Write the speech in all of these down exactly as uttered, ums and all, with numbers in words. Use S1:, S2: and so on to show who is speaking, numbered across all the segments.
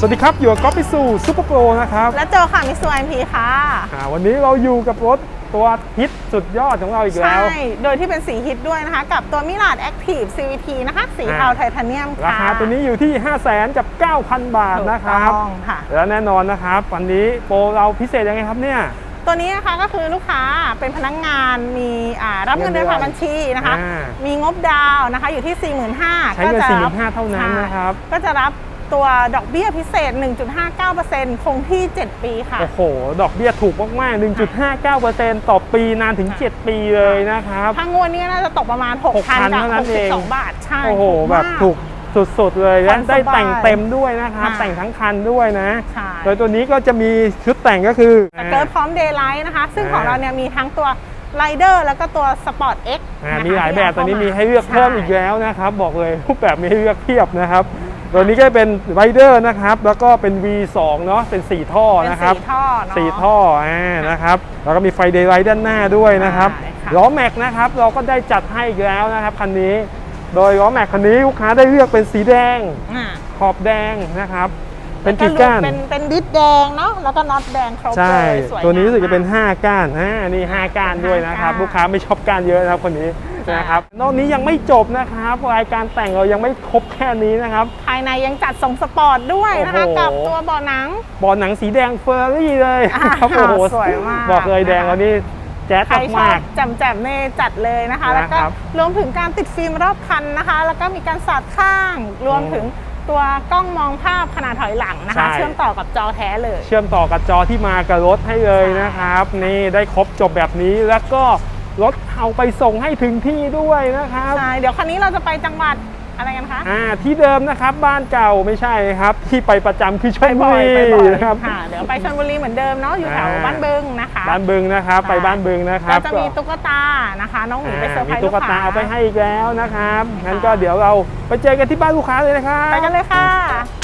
S1: สวัสดีครับอยู่กับก๊อฟมิสูซูเปอร์โปรนะครับ
S2: และโจค่ะมิสูไอพีค่ะ
S1: วันนี้เราอยู่กับรถตัวฮิตสุดยอดของเราอีกแล้ว
S2: ใช่โดยที่เป็นสีฮิตด้วยนะคะกับตัวมิลาดแอคทีฟ ซี วี ที นะคะสีเทาไทเทเนียมค่ะ
S1: ราคาตัวนี้อยู่ที่ ห้าแสนกับเก้าพัน บาทนะครับและแน่นอนนะครับวันนี้โปรเราพิเศษยังไงครับเนี่ย
S2: ตัวนี้นะคะก็คือลูกค้าเป็นพนักงานมีรับเงินเดือนผ่านบัญชีนะคะมีงบดาวนะคะอยู่ที่ สี่หมื่นห้าพัน
S1: ใช้เงิน สี่หมื่นห้าพัน เท่านั้นนะครับ
S2: ก็จะรับตัวดอกเบี้ยพิเศษ หนึ่งจุดห้าเก้าเปอร์เซ็นต์ คงที่ เจ็ด ปีค่ะ
S1: โอ้โหดอกเบี้ยถูกมากๆ หนึ่งจุดห้าเก้าเปอร์เซ็นต์ ต่อปีนานถึงเจ็ดปีเลยนะครับ
S2: ถ้างวดนี้น่าจะตกประมาณ หกพัน กับหกสิบสองบาทใช่
S1: โอ้โหแบบถูกสุดๆเลยและได้แต่งเต็มด้วยนะครับแต่งทั้งคันด้วยนะโดยตัวนี้ก็จะมีชุดแต่งก็คือ
S2: เกิร์ตพร้อมเดย์ไลท์นะคะซึ่งของเราเนี่ยมีทั้งตัวไรเดอร์แล้วก็ตัวสปอร์ต X
S1: มีหลายแบบตอนนี้มีให้เลือกเพิ่มอีกแล้วนะครับบอกเลยรูปแบบมีให้เลือกเพียบนะครับตัวนี้ก็เป็นไรเดอร์นะครับแล้วก็เป็น วี สอง เนาะเป็นสี่ท่อนะครับ
S2: สี่ท่อเนาะ
S1: สี่ท่ออ่านะครับแล้วก็มีไฟเดย์ไลท์ด้านหน้าด้วยนะครับล้อแม็กนะครับเราก็ได้จัดให้อีกแล้วนะครับคันนี้โดยล้อแม็กคันนี้ลูกค้าได้เลือกเป็นสีแดงขอบแดงนะครับเป็นกี่ก้าน
S2: เป็นเป็นดิสแดงเนาะแล้วก็น็อตแดงครบเลยสวย
S1: ตัวนี้รู้สึกจะเป็นห้าก้านอ่านี่ห้าก้านด้วยนะครับลูกค้าไม่ชอบก้านเยอะนะครับคนนี้นะครับนอกนี้ยังไม่จบนะครับรายการแต่งเรายังไม่ครบแค่นี้นะครับ
S2: ภายในยังจัดทรงสปอร์ตด้วยนะคะกับตัวเบาะหนัง
S1: เบาะหนังสีแดงเฟอร์รี่เลยครับโอ้โห
S2: สวยมาก
S1: บอกเลยแดงแล้วนี่แจ๊ดมาก
S2: แจ่มๆเน่จัดเลยนะคะแล้วก็รวมถึงการติดฟิล์มรอบคันนะคะแล้วก็มีการสาดข้างรวมถึงตัวกล้องมองภาพขนาดถอยหลังนะคะเชื่อมต่อกับจอแท้เลย
S1: เชื่อมต่อกับจอที่มากับรถให้เลยนะครับนี่ได้ครบจบแบบนี้แล้วก็รถเอาไปส่งให้ถึงที่ด้วยนะครับ
S2: ใช่เดี๋ยวคันนี้เราจะไปจังหวัดอะไรกันคะ
S1: อ่าที่เดิมนะครับบ้านเก่าไม่ใช่ครับที่ไปประจำคือชลบุรี
S2: นะครับเดี๋ยวไปชลบุรีเหมือนเดิมเนาะอยู่แถวบ้านบึงนะคะ
S1: บ้านบึงนะครับไปบ้านบึงนะครับ
S2: ก็จะมีตุ๊กตานะคะน้องหมีไปเซอร์ไพรส์ลูกค้ามี
S1: ตุ๊กตาเอาไปให้อีกแล้วนะครับงั้นก็เดี๋ยวเราไปเจอกันที่บ้านลูกค้าเลยนะครับ
S2: ไปกันเลยค่ะ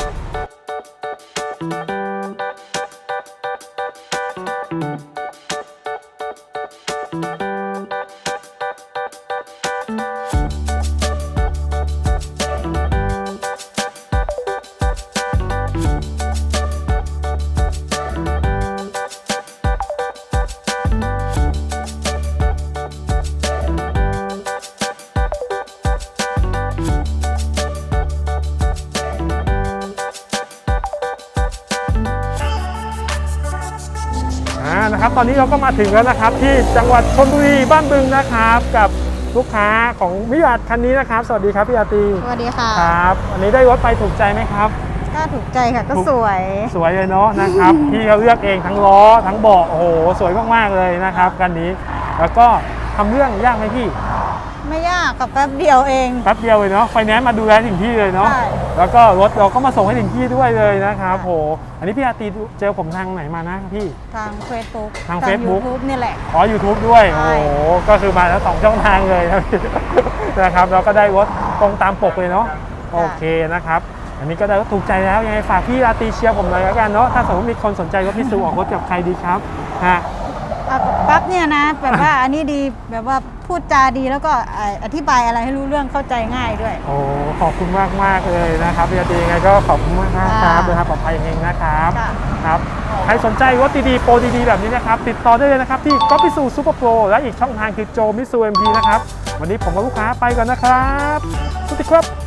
S1: นะครับตอนนี้เราก็มาถึงแล้วนะครับที่จังหวัดชลบุรีบ้านบึงนะครับกับลูกค้าของมิลาดคันนี้นะครับสวัสดีครับพี่อาตี
S2: สวัสดีค่ะ
S1: ครับวันนี้ได้รถไปถูกใจไหมครับ
S2: ก็ถูกใจค่ะก็สวย
S1: สวยเลยเนาะนะครับพี่เขาเลือกเองทั้งล้อทั้งเบาะโอ้โหสวยมากๆเลยนะครับคันนี้แล้วก็ทำเรื่องยากไหมพี่
S2: ไม่ยากกับแป๊บเดียวเอง
S1: แป๊บเดียวเลยเนาะไฟแนนซ์มาดูแลถึงที่เลยเนาะแล้วก็รถเราก็มาส่งให้ถึงที่ด้วยเลยนะครับโหอันนี้พี่อาตีเจอผมทางไหนมานะพี่
S2: ทางเฟซบุ๊ก
S1: ทางเฟซบุ๊ก
S2: นี่แหละ
S1: อ๋อ ยูทูบ ด้วยโอ้โหก็คือมาแล้วสองช่องทางเลยนะครับเราก็ได้รถตรงตามปกเลยเนาะโอเคนะครับอันนี้ก็ได้รถถูกใจแล้วยังไงฝากพี่อาตีเชียร์ผมหน่อยแล้วกันเนาะถ้าสมมติมีคนสนใจรถมิสูออกรถกับใครดีครับฮะ
S2: ปั๊บเนี่ยนะแบบว่าอันนี้ดีแบบว่าพูดจาดีแล้วก็อธิบายอะไรให้รู้เรื่องเข้าใจง่ายด้วย
S1: โอ้ขอบคุณมากมากเลยนะครับพี่อาตียังไงก็ขอบคุณมากครับเดินทางปลอดภัยเองนะครับครับใครสนใจรถดีๆโปรดีๆแบบนี้นะครับติดต่อได้เลยนะครับที่ก๊อฟมิสูซูเปอร์โปรและอีกช่องทางคือโจมิสูเอ็มพีนะครับวันนี้ผมกับลูกค้าไปก่อนนะครับสวัสดีครับ